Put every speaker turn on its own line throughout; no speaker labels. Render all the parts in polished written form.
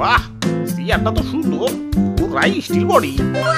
বাহ, চেয়ারটা তো সুন্দর, পুরাই স্টিল বডি।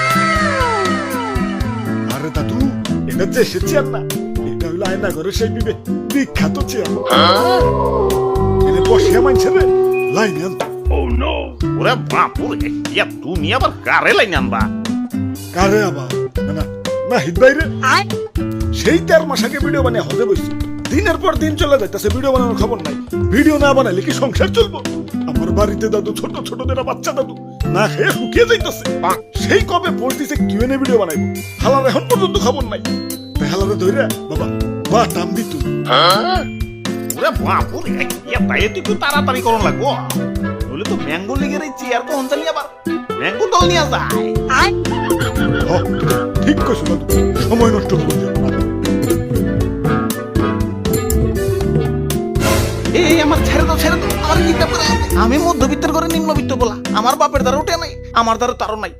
আরে দাদু, এটা দেশের চেয়ার না, এটা হলো আয়না ঘরের সেই বিখ্যাত চেয়ার। এনে বসে মানছে রে লাইনে আনতো।
ওরে বাপুরে, ইয়া তুমি আবার কারে লাইনে আনবা?
কারে আবার না না নাহিদ ভাই রে, সেই 13 মাস আগে ভিডিও বানিয়ে হতে বসছি, দিনের পর দিন চলে যাইতেছে, ভিডিও বানানোর খবর নাই। ভিডিও না বানাইলে কি সংসার চলবো? আমার বাড়িতে দাদু, ছোট ছোট দেরা বাচ্চা দাদু না খেয়ে শুকিয়ে যাইতেছে। সেই কবে পোস্ট দিছে কিউএনএ ভিডিও বানাইবো, হালার এখন পর্যন্ত খবর নাই। তাই হালারে ধরে বাবা বা টাম দিত।
ওরে বাপুরে, ইয়া তাই একটু তাড়াতাড়ি করন লাগবো, নইলে তো ম্যাঙ্গো লিগের এই চেয়ার কোন চালি আবার ম্যাঙ্গো দল নিয়ে যায়।
হ, ঠিক কইছো দাদু, সময় নষ্ট করবো না।
এই আমার ছেড়ে দাও, ছেড়ে দাও, আমার গীতা পড়ে আছে। আমি মধ্যবিত্তের ঘরে নিম্নবিত্ত বলা, আমার বাপের দ্বারা উঠে নাই, আমার দ্বারা তারও নাই।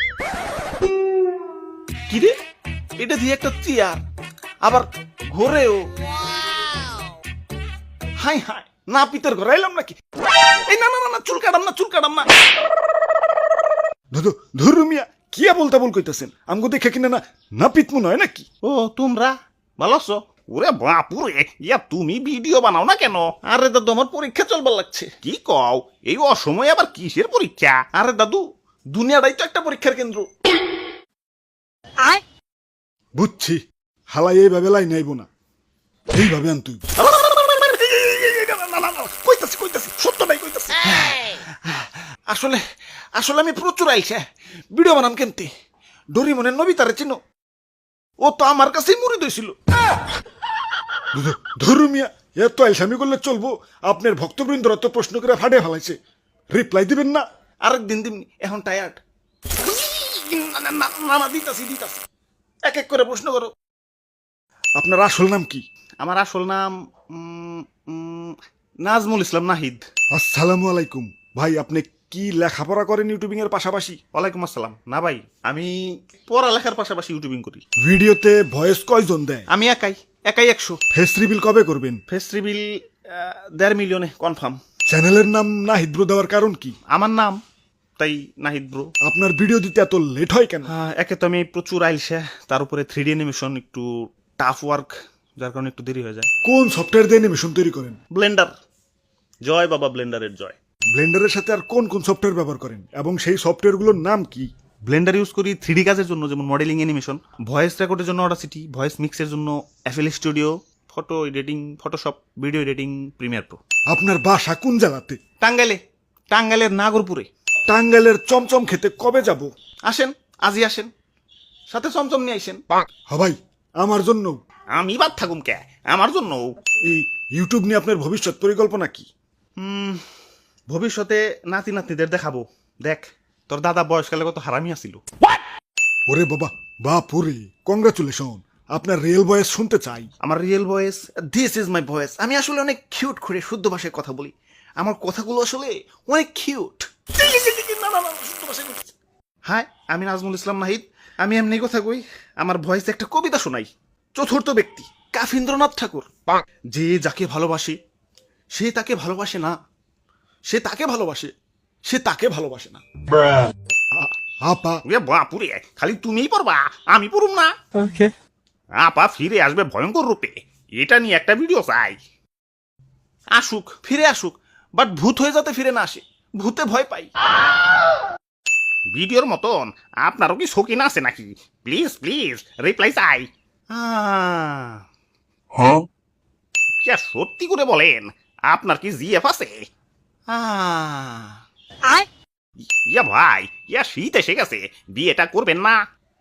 কি রে, এটা দিয়ে একটা চেয়ার, আবার ঘরেও। হাই হাই, না পিতের ঘরে এলাম নাকি? এই না না না, চুল কাটাম না, চুল কাটাম না।
দাদু ধরু মিয়া, কি বলতে বল কইতাছেন? আমগো দেখে কিনা না না পিতমু নয় নাকি?
ও তোমরা ভালো আছো? ওরে বাপুরে, ইয়া তুমি ভিডিও বানাও না কেন? আরে দাদু, আমার পরীক্ষা চলবার লাগছে। কি কও, এই অসময়ে আবার কিসের পরীক্ষা? আরে দাদু, দুনিয়াটাই তো একটা পরীক্ষার কেন্দ্র।
বুঝছি, হালাই এইভাবে লাইন আইব না, এইভাবে আন তুই।
কইতাছি কইতাছি, সত্যটাই কইতাছি। আসলে আসলে আমি প্রচুর আইসা ভিডিও বানাম কেমতে। ডরিমনের নবিতারে চিনো? ও তো আমার কাছেই মুড়ি দইছিল।
ধরু মিয়া, এত আলসামি করলে চলবো? আপনার ভক্তবৃন্দরা তো প্রশ্ন করে ফাটে ফেলাইছে, রিপ্লাই দিবেন না?
আরেকদিন দিমনি, এখন টায়ার্ড। না দিতাছি দিতাছি, এক এক করে প্রশ্ন করো।
আপনার আসল নাম কি?
আমার আসল নাম নাজমুল ইসলাম নাহিদ।
আসসালামু আলাইকুম ভাই, আপনি কি লেখাপড়া করেন ইউটিউবিং এর পাশাপাশি?
ওয়ালাইকুম আসসালাম। না ভাই, আমি পড়ালেখার পাশাপাশি ইউটিউবিং করি।
ভিডিওতে ভয়েস কয়জন দেয়?
আমি একাই একাই 100।
ফেস রিভিল কবে করবেন?
ফেস রিভিল 1.5 মিলিয়নে কনফার্ম।
চ্যানেলের নাম নাহিদ ব্রো দেওয়ার কারণ কি?
আমার নাম, তাই নাহিদ ব্রো।
আপনার ভিডিও দিতে এত লেট হয় কেন?
একে তো আমি প্রচুর আইলসা, তার উপরে 3D অ্যানিমেশন একটু টাফ ওয়ার্ক, যার কারণে একটু দেরি হয়ে যায়।
কোন সফটওয়্যার দিয়ে অ্যানিমেশন তৈরি করেন?
ব্লেন্ডার, জয় বাবা ব্লেন্ডারের জয়।
ব্লেন্ডারের সাথে আর কোন কোন সফটওয়্যার ব্যবহার করেন এবং সেই সফটওয়্যারগুলোর নাম কি?
ব্লেন্ডার ইউজ করি 3D কাজের জন্য, যেমন মডেলিং অ্যানিমেশন, ভয়েস রেকর্ডের জন্য অডাসিটি, ভয়েস মিক্সের জন্য FL studio, photo editing Photoshop, video editing Premiere Pro.
আপনার বাসা কোন জেলাতে?
টাঙ্গাইলে, টাঙ্গাইলের নাগরপুরে।
টাঙ্গাইলের চমচম খেতে কবে যাব?
আসেন, আজই আসেন, সাথে চমচম নিয়ে আইসেন।
ভাই, আমার জন্য।
আমি বাদ থাকুম কে, আমার জন্য।
এই ইউটিউব নিয়ে আপনার ভবিষ্যৎ পরিকল্পনা কি?
ভবিষ্যতে নাতি নাতনিদের দেখাবো, দেখ তোর দাদা বয়সকালে কত হারামি আসিল।
ওরে বাবা, বাপুরে, কংগ্রাচুলেশন, আপনার রিয়েল ভয়েস শুনতে চাই।
আমার real voice, this is my voice. আমি আসলে অনেক কিউট করে শুদ্ধ ভাষায় কথা বলি, আমার কথাগুলো আসলে অনেক কিউট। হ্যাঁ, আমি নাজমুল ইসলাম নাহিদ, আমি এমনি কথা কই। আমার ভয়েসে একটা কবিতা শোনাই। চতুর্থ ব্যক্তি কাফিন্দ্রনাথ ঠাকুর। যে যাকে ভালোবাসে সে তাকে ভালোবাসে না, সে তাকে ভালোবাসে, সে তাকে ভালোবাসে না।
আপা,
বাপুরে, খালি তুমিই পড়বা, আমি পড়ুম না? ওকে। আপা ফিরে আসবে ভয়ঙ্কর রূপে, এটা নিয়ে একটা ভিডিও চাই। আসুক, ফিরে আসুক, বাট ভূত হয়ে যাতে ফিরে না আসে, ভূতে ভয় পাই। ভিডিওর মতন আপনারও কি শৌখিন আছে নাকি? প্লিজ প্লিজ রিপ্লাই চাই। সত্যি করে বলেন, আপনার কি জিএফ আছে? ইয়া ভাই, ইয়া শীত এসে গেছে, বিয়েটা করবেন না?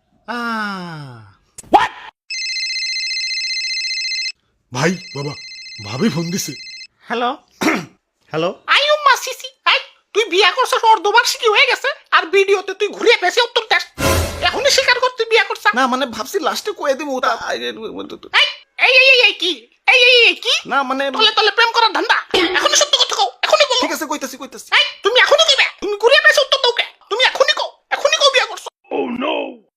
ভাই বাবা, ভাবি ফোন দিছে।
হ্যালো হ্যালো, আইও মাসিসি, আই তুই বিয়া করছস, অর্ধবার্ষিকী হয়ে গেছে, আর ভিডিওতে তুই ঘুরিয়ে পেছে উত্তর দেশ। এখনই স্বীকার কর তুই বিয়া করছ না? মানে ভাবছি লাস্টে কয়ে দিমু। এই এই এই কি, এই এই এই কি, না মানে তলে তলে প্রেম করার ধান্দা। এখনই সত্য কথা কও, এখনই বলো। ঠিক আছে, কইতাছি কইতাছি। এই তুমি এখনই কইবে, তুমি ঘুরিয়ে পেছে উত্তর দাও কে? তুমি এখনই কও বিয়া করছ। ও নো,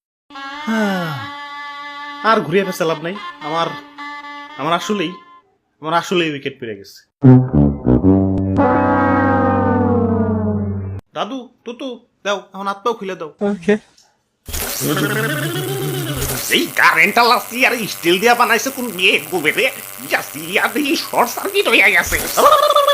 আর ঘুরিয়ে পেছে লাভ নাই। আমার আমার আসলেই উইকেট পেরে গেছে। দাদু তুতু দাও এখন হাত পাও খুলে দাও এই কারেন্টটা লাসি আর স্টিল দিয়া বানাইছে কোন বিয়ে গোবে রে জাসি আর এই শর্ট সার্কিট হইয়া গেছে